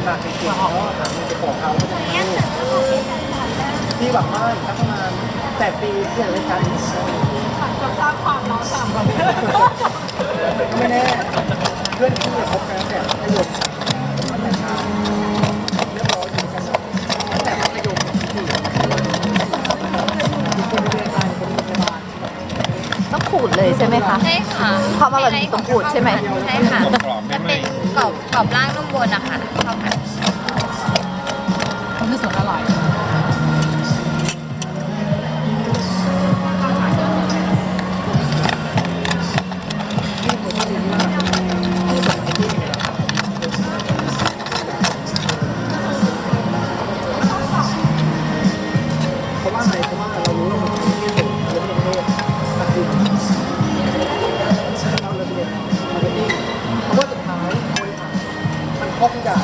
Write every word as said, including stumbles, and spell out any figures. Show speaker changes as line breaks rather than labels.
หนักจริงๆแล้วหาเงินไปขอเขาก็จะให้ที่หวังว่าอีกสักประมาณแปดปีเพื่อไว้ใช้
จะสร้างความร้อนฉ่ำ
ก็ไม่แน่เพื่อนที่จะคบกันเนี่ยให้รวมตั้งแต่เช้าเรียบร้อยอยู่กันตั้งแต่มัธยมที่คนเรียนการคนเรียนบ้าน
ต้องขูดเลยใช่ไหมคะ
ใช่ค่ะ
ความอร่อยต้องขูดใช่ไหม
ใช่ค่ะจะเป็นกรอบกรอบล่างนุ่มบนนะคะข้าวผัด
มันคือส่วนอร่อย
เพราะว่าอะไรเพราะว่าเรารู้ว่ามันเป็นที่สุดเรื่องประเทศตัดสินเราเลยเรียนมาร์เก็ตติ้งเพราะว่าสุดท้ายบริหารมันครอบทุกอย่าง